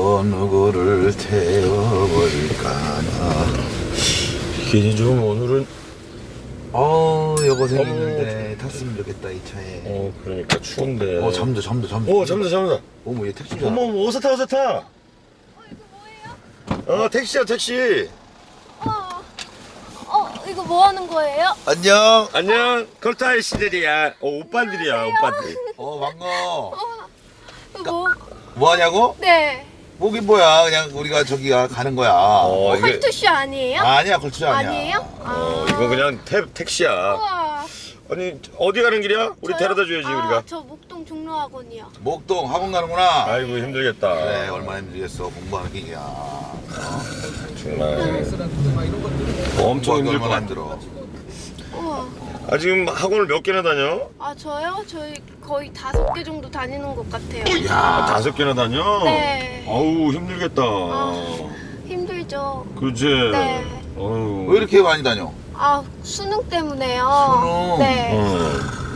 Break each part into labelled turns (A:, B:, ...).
A: 누구를 태워버릴까나.
B: 기니 좀 오늘은
A: 여고생 있는데 탔으면 좋겠다 이 차에.
B: 그러니까 추운데.
A: 잠도.
B: 잠다.
A: 어머 얘 택시잖아.
B: 어머 어서 타.
C: 이거 뭐예요?
B: 택시야 택시.
C: 이거 뭐 하는 거예요?
B: 안녕. 걸타이 씨들이야. 오빠들이야 오빠들.
A: 반가워.
C: 뭐?
A: 뭐 하냐고?
C: 네.
A: 목이 뭐야? 그냥 우리가 저기가 가는 거야.
B: 이게
C: 컬투쇼 아니에요?
A: 아니야 걸투 아니야.
C: 아니에요?
B: 이거 그냥 택시야.
C: 우와.
B: 아니 어디 가는 길이야? 우리
C: 저요?
B: 데려다 줘야지 우리가.
C: 저 목동 종로학원이요.
A: 목동 학원 가는구나.
B: 아이고 힘들겠다.
A: 그래 얼마나 힘들겠어 공부하는 게 이야.
B: 정말 엄청
A: 공부하기
B: 힘들 것
A: 얼마나
B: 같아.
A: 힘들어.
C: 우와.
B: 지금 학원을 몇 개나 다녀?
C: 저요? 저희 거의 5개 정도 다니는 것 같아요.
A: 야
B: 5개나 다녀?
C: 네.
B: 아우 힘들겠다.
C: 힘들죠.
B: 그치?
C: 네.
B: 어우.
A: 왜 이렇게 많이 다녀?
C: 수능 때문에요.
A: 수능?
C: 네.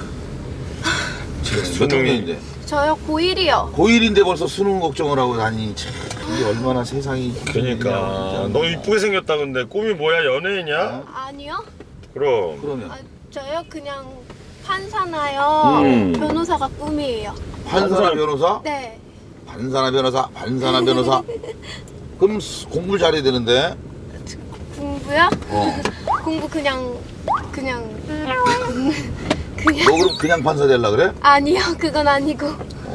A: 지금 몇 학년인데?
C: 저요 고1이요.
A: 고1인데 벌써 수능 걱정을 하고 다니니 참 이게 얼마나 세상이.
B: 그러니까 너 이쁘게 생겼다 근데 꿈이 뭐야 연예인이야?
C: 아니요?
B: 그럼.
A: 그러면
C: 저요 그냥 판사나요. 변호사가 꿈이에요.
A: 판사나 변호사?
C: 네.
A: 반사나 변호사. 그럼 공부를 잘해야 되는데.
C: 공부요? 공부 그냥
A: 너 그럼 그냥 판사 되려 그래?
C: 아니요 그건 아니고.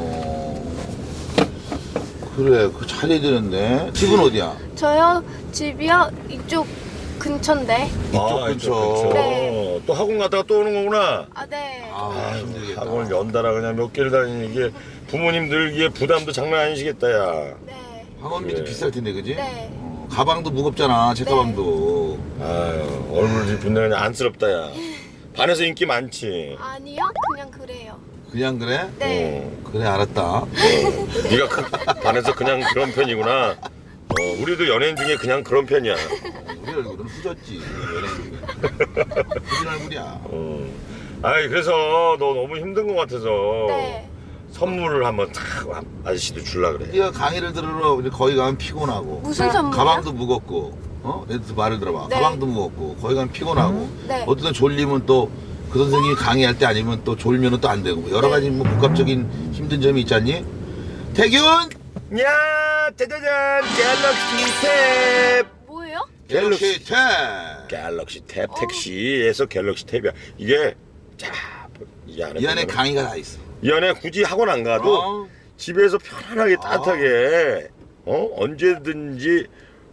A: 그래 그 잘해야 되는데. 집은 어디야?
C: 저요 집이요 이쪽 근처인데.
A: 이쪽 근처.
C: 네.
B: 또 학원 갔다가 또 오는 거구나.
C: 네.
A: 힘들겠다.
B: 학원을 연달아 그냥 몇 개를 다니는 이게 부모님들기에 부담도 장난 아니시겠다 야.
C: 네.
A: 학원비도
B: 그래.
A: 비쌀 텐데 그지?
C: 네.
A: 가방도 무겁잖아 책가방도.
B: 아유 얼굴이 분명 그냥 안쓰럽다 야. 반에서 인기 많지.
C: 아니요 그냥 그래요.
A: 그냥 그래?
C: 네.
A: 그래 알았다.
B: 네가 반에서 그냥 그런 편이구나. 우리도 연예인 중에 그냥 그런 편이야.
A: 우리 얼굴은 후졌지 연예인 중에. 후진 얼굴이야.
B: 아이 그래서 너 너무 힘든 것 같아서
C: 네.
B: 선물을 한번 탁 아저씨도 줄라 그래.
A: 네가 강의를 들으러 우리 거기 가면 피곤하고
C: 무슨 선물이요?
A: 가방도 무겁고 얘들 말을 들어봐.
C: 네.
A: 가방도 무겁고 거기 가면 피곤하고
C: 네.
A: 어떤 졸리면 또 그 선생님이 강의할 때 아니면 또 졸면은 또 안 되고 여러 가지 뭐 복합적인 힘든 점이 있잖니. 태균
B: 야 짜자잔 갤럭시 탭.
C: 뭐예요?
A: 갤럭시 탭.
B: 갤럭시 탭 택시에서 갤럭시 탭이야. 이게 자 이 안에
A: 이 안에
B: 보면은
A: 강의가 다 있어.
B: 이 안에 굳이 학원 안 가도 집에서 편안하게 따뜻하게 언제든지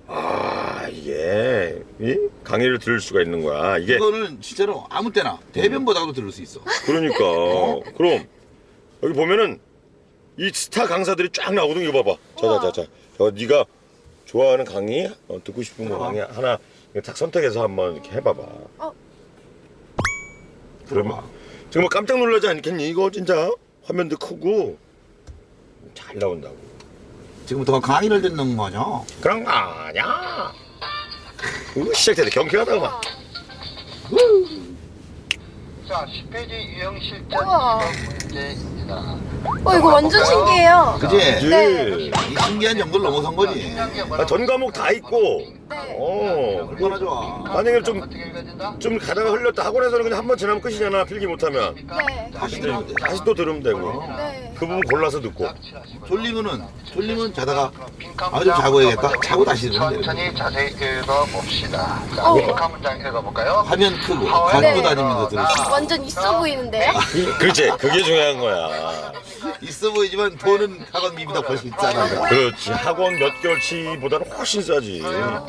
B: 이게 강의를 들을 수가 있는 거야. 이게
A: 이거는 진짜로 아무 때나 대변보다도 들을 수 있어.
B: 그러니까 그럼 여기 보면은 이 스타 강사들이 쫙 나오거든. 이거 봐봐. 자자자자. 저 네가 좋아하는 강의 듣고 싶은 거 강의 하나 딱 선택해서 한번 이렇게 해봐봐. 그러면 정말 깜짝 놀라지 않겠니? 이거 진짜 화면도 크고 잘 나온다고.
A: 지금부터 강의를 듣는 거죠.
B: 그런 거 아니야. 시작되네. 경쾌하다 막.
D: 자, 10페이지 유형 실전
C: 우와.
D: 문제입니다.
C: 이거 완전 신기해요.
A: 그지?
C: 네.
A: 이 신기한 정도를 넘어선 거지.
B: 전 과목 다 있고.
C: 네.
A: 얼마나 좋아.
B: 만약에 좀
D: 어떻게 읽어야 된다?
B: 가다가 흘렸다. 학원에서는 그냥 한 번 지나면 끝이잖아. 필기 못하면.
C: 네.
A: 다시 들으면 돼.
B: 다시 또 들으면 되고.
C: 네.
B: 그 부분 골라서 듣고.
A: 졸리면 자다가 좀 자고 해야겠다. 자고 다시 들으면 돼.
D: 천천히 자세히 읽어봅시다. 자, 빈칸 문장 읽어볼까요?
A: 화면 크고
D: 네.
A: 갖고 다니면서 들을 수 있어.
C: 완전 있어 보이는데요?
B: 그렇지. 그게 중요한 거야.
A: 있어 보이지만 돈은 학원 비비다 훨씬 비싸다.
B: 그렇지. 학원 몇 개월치보다는 훨씬 싸지. 그럼.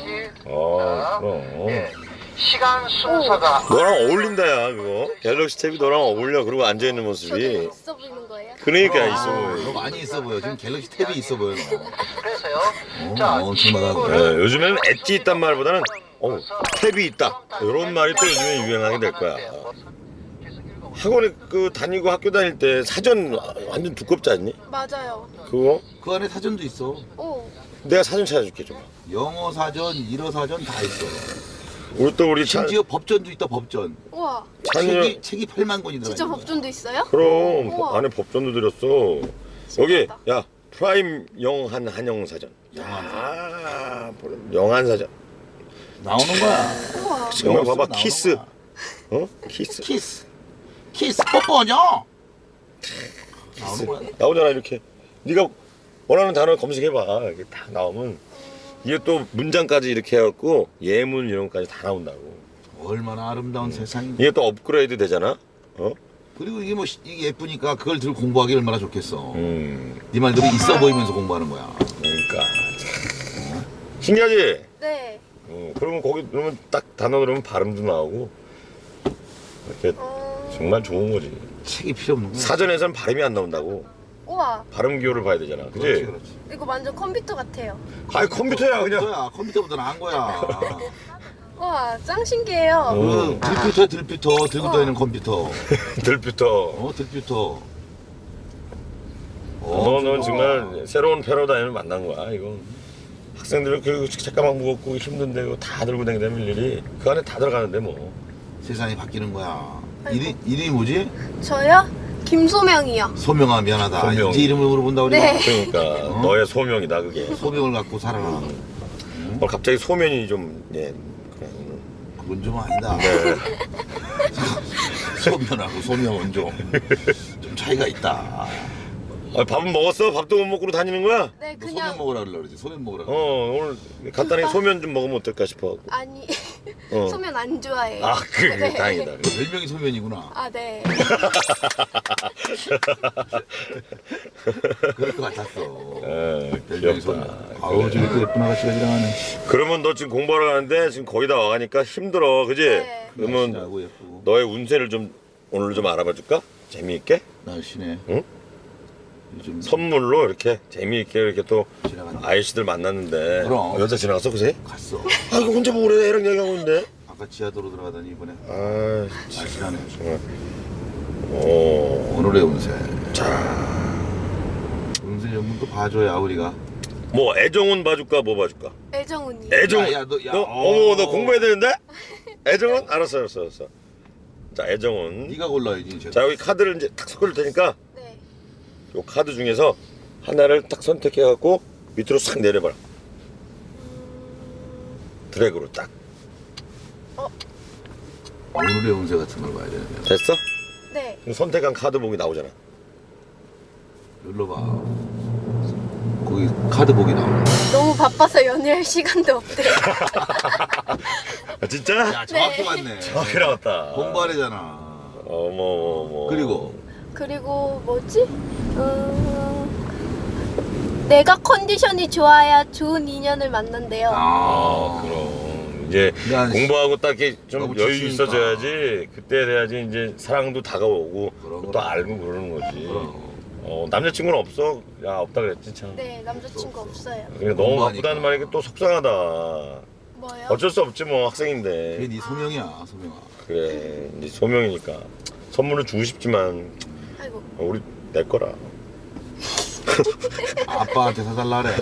D: 시간 순서가
B: 너랑 어울린다 야 그거. 갤럭시 탭이 너랑 어울려. 그리고 앉아있는
C: 저도
B: 모습이.
C: 있어 보이는 거예요?
B: 그러니까 있어
A: 너
B: 보여.
A: 많이 있어 보여. 지금 갤럭시 탭이 있어 보여.
D: 그래서요. 자,
A: 엄청나다.
B: 네, 요즘에는 엣지 있단 말보다는 탭이 있다. 이런 말이 또 요즘에 유행하게 될 거야. 학원에 다니고 학교 다닐 때 사전 완전 두껍지 않니?
C: 맞아요.
B: 그거?
A: 그 안에 사전도 있어.
B: 내가 사전 찾아줄게 좀.
A: 영어 사전, 일어 사전 다 있어.
B: 우리
A: 심지어 법전도 있다. 법전.
C: 우와.
A: 책이 8만 권이 들어.
C: 진짜 법전도 있어요?
B: 그럼
C: 우와.
B: 안에 법전도 들였어. 여기
C: 신기하다.
B: 야 프라임 영한 한영사전. 야, 영한사전.
A: 나오는 거야.
C: 우와.
B: 정말 봐봐,
A: 나오는
B: 키스.
A: 거야.
B: 어? 키스.
A: 키스 뽀뽀냐? 나오는 거야.
B: 나오잖아 이렇게. 네가 원하는 단어 검색해봐. 이게 딱 나오면 이게 또 문장까지 이렇게 해갖고 예문 이런 것까지 다 나온다고.
A: 얼마나 아름다운 세상인데.
B: 이게 또 업그레이드 되잖아. 어?
A: 그리고 이게 뭐 이게 예쁘니까 그걸 들고 공부하기 얼마나 좋겠어.
B: 네
A: 말대로 있어 보이면서 공부하는 거야.
B: 그러니까 신기하지.
C: 네.
B: 그러면 거기 그러면 딱 단어 들으면 발음도 나오고 이렇게 정말 좋은 거지.
A: 책이 필요 없는 거야.
B: 사전에서는 발음이 안 나온다고.
C: 우와.
B: 발음 기호를 봐야 되잖아. 그지?
A: 그렇지.
C: 이거 완전 컴퓨터 같아요.
B: 아이 컴퓨터야 그냥.
A: 컴퓨터보다 나은 거야.
C: 우와, 짱 신기해요.
A: 그 들퓨터 들고 다니는 컴퓨터.
B: 들퓨터.
A: 들퓨터.
B: 너는 정말 새로운 패러다임을 만난 거야. 이거 학생들은 그 책가방 무겁고 힘든데 이거 다 들고 다니는 일일이 그 안에 다 들어가는데 뭐.
A: 세상이 바뀌는 거야.
C: 아이고.
A: 이름이 뭐지?
C: 저요? 김소명이요.
A: 소명아 미안하다.
B: 소명.
A: 이제 이름을 물어본다 우리가.
C: 네.
B: 그러니까 너의 소명이다 그게.
A: 소명을 갖고 살아라.
B: 갑자기 소면이 좀 예. 그래,
A: 그건 좀 아니다.
B: 네.
A: 소면하고 소명은 좀 차이가 있다.
B: 밥은 먹었어? 밥도 못 먹고 다니는 거야?
C: 네,
A: 너 소면
C: 그냥
A: 먹으라 그러지. 소면 먹으라.
B: 오늘 간단하게 소면 좀 먹으면 어떨까 싶어.
C: 아니
B: 어.
C: 소면 안 좋아해요.
B: 아, 그래,
C: 네.
B: 다행이다.
A: 별명이 소면이구나.
C: 아, 네.
A: 그럴 것 같았어. 별명이
B: 귀엽다.
A: 소면. 아우 저기 또 예쁜 아가씨가 지나가네.
B: 그러면 너 지금 공부하러 가는데 지금 거의 다 와가니까 힘들어, 그지?
C: 네.
B: 그러면
A: 날씬하고 예쁘고.
B: 너의 운세를 좀 오늘 좀 알아봐 줄까? 재미있게?
A: 날씬해.
B: 응?
A: 요즘
B: 선물로 이렇게 재미있게 이렇게 또
A: 지나간다.
B: 아이씨들 만났는데
A: 그럼.
B: 여자 지나갔어, 그새?
A: 갔어.
B: 아, 이거 혼자 보고 그래, 애랑 얘기하고 있는데.
A: 아까 지하도로 들어가더니 이번에
B: 아,
A: 날씬하네.
B: 정말. 오,
A: 오늘의 운세.
B: 자,
A: 운세 전문 또 봐줘야 우리가.
B: 뭐 애정운 봐줄까, 뭐 봐줄까?
C: 애정훈이.
B: 애정운.
A: 야, 너, 야,
B: 어머, 너 공부해야 되는데? 애정운? 알았어. 자, 애정운.
A: 네가 골라야지. 제가.
B: 자, 여기 카드를 이제 탁 섞을 테니까
C: 네.
B: 요 카드 중에서 하나를 딱 선택해갖고 밑으로 싹 내려봐라. 드래그로 딱.
A: 오늘의 운세 같은 걸 봐야 되는데.
B: 됐어?
C: 네.
B: 그럼 선택한 카드복이 나오잖아.
A: 눌러봐. 거기 카드복이 나오네.
C: 너무 바빠서 연애할 시간도 없대요.
B: 아, 진짜?
A: 야 정확히 맞네.
B: 정확히 나왔다.
A: 공부하래잖아.
B: 어머.
A: 그리고
C: 뭐지? 내가 컨디션이 좋아야 좋은 인연을 만난대요.
B: 그럼 이제
A: 야,
B: 공부하고 딱 이렇게 좀
A: 너무
B: 여유
A: 지치니까.
B: 있어져야지 그때 돼야지 이제 사랑도 다가오고
A: 그럼,
B: 또
A: 그럼.
B: 알고 그러는 거지.
A: 그럼.
B: 남자친구는 없어? 야, 없다 그랬지 참.
C: 네, 남자친구 없어요.
B: 그래, 너무
A: 공부하니까.
B: 바쁘다는 말이 또 속상하다.
C: 뭐요?
B: 어쩔 수 없지 뭐
A: 그게
B: 학생인데.
A: 네 소명이야 소명아.
B: 그래 이제 소명이니까 선물을 주고 싶지만
C: 아이고.
B: 우리 내 거라.
A: 아빠한테 사달라 그래.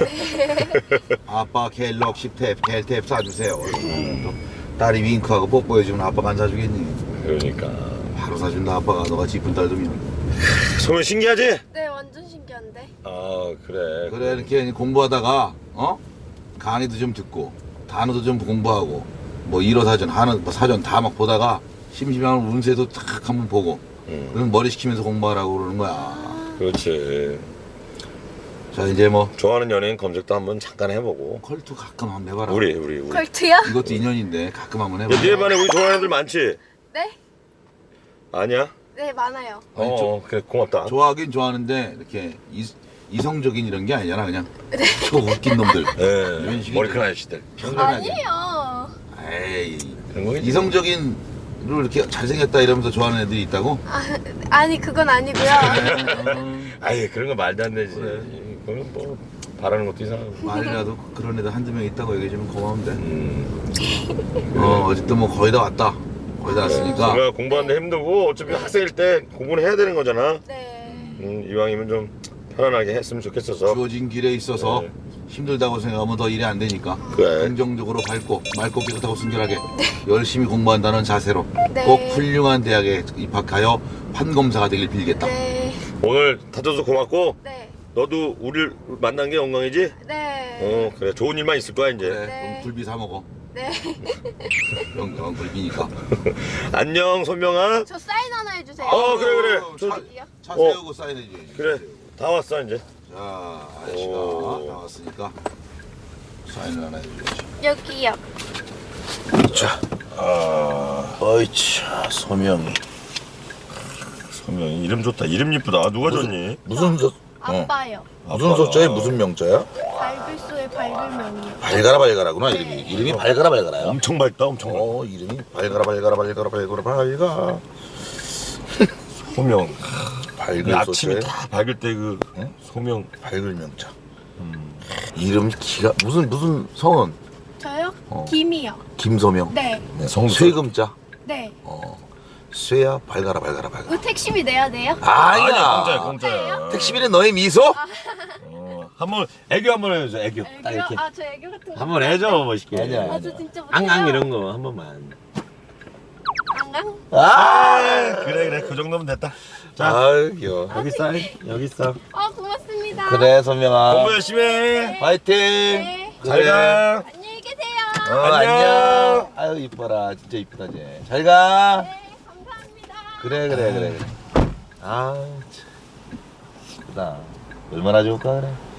A: 아빠 갤럭시 탭, 갤탭 사주세요. 또 딸이 윙크하고 뽀뽀해주면 아빠가 안 사주겠니?
B: 그러니까
A: 바로 사준다 아빠가. 너가 이쁜 딸 두면.
B: 소명 신기하지?
C: 네, 완전 신기한데.
B: 아 그래.
A: 그래 이렇게 공부하다가 강의도 좀 듣고 단어도 좀 공부하고 뭐 일어사전 한어 뭐 사전 다 막 보다가 심심하면 운세도 탁 한번 보고 그럼 머리 식히면서 공부하라고 그러는 거야.
B: 그렇지.
A: 자 이제 뭐
B: 좋아하는 연예인 검색도 한번 잠깐 해보고.
A: 컬투 가끔 한번 해봐라.
B: 우리.
C: 컬트요?
A: 이것도 인연인데 가끔 한번
B: 야,
A: 해봐.
B: 네 반에 우리 좋아하는 애들 많지?
C: 네?
B: 아니야?
C: 네, 많아요.
A: 아니,
B: 그래 고맙다.
A: 좋아하긴 좋아하는데 이렇게 이성적인 이런 게 아니잖아 그냥 저 웃긴 놈들.
B: 예.
A: 이런 식이
B: 머리큰 아저씨들.
C: 아니에요.
A: 에이
B: 그런 거겠지.
A: 이성적인로 이렇게 잘생겼다 이러면서 좋아하는 애들이 있다고?
C: 아니, 그건 아니고요.
B: 아예 그런 거 말도 안 되지.
A: 그래.
B: 그건 뭐 바라는 것도 이상하고.
A: 말이라도 그런 애들 한두 명 있다고 얘기해주면 고마운데. 어쨌든 뭐 거의 다 왔다. 거의 다 왔으니까.
B: 제가 공부하는데 힘들고 어차피 학생일 때 공부는 해야 되는 거잖아.
C: 네.
B: 이왕이면 좀 편안하게 했으면 좋겠어서.
A: 주어진 길에 있어서
B: 네.
A: 힘들다고 생각하면 더 일이 안 되니까.
B: 그래.
A: 긍정적으로 밝고 맑고 깨끗하고 순결하게 열심히 공부한다는 자세로
C: 네.
A: 꼭 훌륭한 대학에 입학하여 판검사가 되길 빌겠다.
C: 네.
B: 오늘 다져서 고맙고
C: 네.
B: 너도 우리를 만난 게 영광이지?
C: 네.
B: 그래 좋은 일만 있을 거야 이제.
A: 그래.
C: 네.
A: 그럼 굴비 사 먹어.
C: 네.
A: 영 굴비니까.
B: 안녕 소명아.
C: 저 사인 하나 해주세요.
B: 그래.
A: 차,
C: 어디요?
A: 차 세우고 사인해줘야지.
B: 그래 다 왔어 이제.
A: 자, 아저씨가
B: 오.
A: 나왔으니까 사인을 하나 해줘야지.
C: 여기요.
A: 자, 어이치, 소명이.
B: 소명이 이름 좋다. 이름 이쁘다. 누가 줬니?
A: 무슨 소?
C: 아빠요.
A: 무슨 소자에 무슨 명자야?
C: 발글소의 발글명이요.
A: 발가라구나 이름이. 이름이 발가라야.
B: 엄청 밝다. 엄청 밝다.
A: 이름이 발가라.
B: 소명.
A: 밝을
B: 아침이
A: 소자에
B: 다 밝을 때 그
A: 응?
B: 소명.
A: 밝을 명자. 이름 기가 무슨 성은?
C: 저요?
A: 어.
C: 김이요.
A: 김소명.
C: 네.
A: 쇠금자.
C: 네.
A: 쇠야 발가라.
C: 그 택시비 내야 돼요?
A: 아니야.
B: 공짜야.
A: 택시비는 너의 미소?
B: 한번 애교 한번 해줘. 애교. 딱
C: 애교?
B: 이렇게.
C: 저 애교 같은 거.
B: 한번 해줘 멋있게.
A: 아니야.
C: 저 진짜 못해요.
B: 앙앙 이런 거 한 번만.
C: 앙앙?
B: 그래 그 정도면 됐다. 자
A: 아유 귀여워.
B: 여기 사인 여기 있어.
C: 고맙습니다.
A: 그래 소명아.
B: 공부 열심히 해.
A: 화이팅.
C: 네.
B: 잘 가.
C: 안녕히 계세요.
A: 안녕. 아유 이뻐라. 진짜 이쁘다 쟤. 잘 가.
C: 네, 감사합니다.
A: 그래. 아 참. 이쁘다. 얼마나 좋을까 그래.